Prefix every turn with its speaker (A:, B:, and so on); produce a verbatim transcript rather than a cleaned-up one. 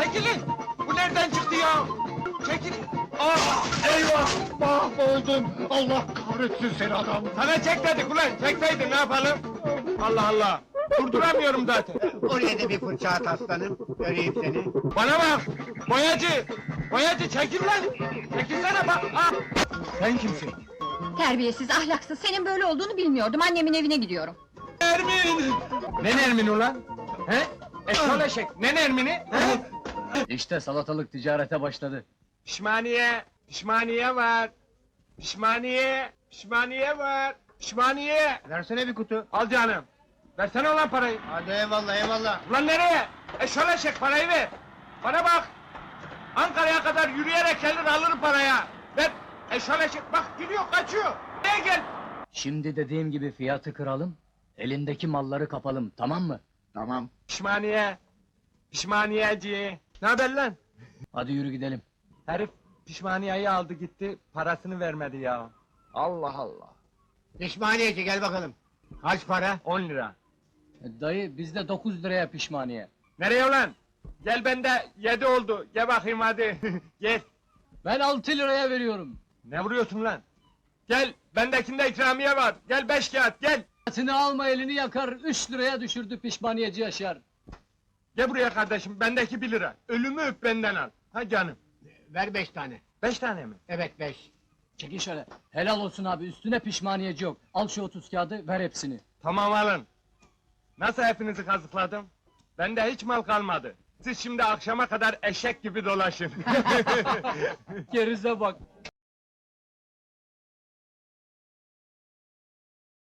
A: çekilin! Bu nereden çıktı ya? Çekilin! Ah!
B: Eyvah! Mahvoldum! Allah kahretsin seni adam!
A: Sana çek dedik ulan, çekseydin ne yapalım? Allah Allah! Durduramıyorum zaten!
C: Oraya da bir fırça at aslanım, göreyim seni.
A: Bana bak! Boyacı! Boyacı çekil lan! Çekilsene bak! Ah! Sen kimsin?
D: Terbiyesiz, ahlaksız, senin böyle olduğunu bilmiyordum, annemin evine gidiyorum.
A: Nermin! Ne Nermin ulan? He? Eşol eşek, ne Nermin'i? He?
E: İşte salatalık ticarete başladı.
A: Pişmaniye! Pişmaniye var! Pişmaniye! Pişmaniye var! Pişmaniye!
C: Versene bir kutu.
A: Al canım! Versene ulan parayı!
C: Hadi eyvallah eyvallah.
A: Ulan nereye? Eşol eşek parayı ver! Bana bak! Ankara'ya kadar yürüyerek gelir alırım paraya! Ver! Eşol eşek bak gidiyor kaçıyor! Nereye gel?
E: Şimdi dediğim gibi fiyatı kıralım, elindeki malları kapalım, tamam mı?
B: Tamam.
A: Pişmaniye! Pişmaniyeci! Ne haber lan?
E: Hadi yürü gidelim.
A: Herif pişmaniyeyi aldı gitti, parasını vermedi ya. Allah Allah!
C: Pişmaniyeci gel bakalım. Kaç para?
A: On lira.
E: E, Dayı, bizde dokuz liraya pişmaniye.
A: Nereye ulan? Gel bende yedi oldu, gel bakayım hadi. Gel.
E: Ben altı liraya veriyorum.
A: Ne vuruyorsun lan? Gel, bendekinde ikramiye var. Gel beş kağıt, gel.
E: Atını alma elini yakar, üç liraya düşürdü pişmaniyeci Yaşar.
A: Gel buraya kardeşim, bendeki bir lira. Ölümü öp benden al. Ha canım.
C: Ver beş tane.
A: Beş tane mi?
C: Evet beş.
E: Çekin şöyle. Helal olsun abi, üstüne pişmaniyeci yok. Al şu otuz kağıdı, ver hepsini.
A: Tamam alın. Nasıl hepinizi kazıkladım? Bende hiç mal kalmadı. Siz şimdi akşama kadar eşek gibi dolaşın.
E: Gerize bak.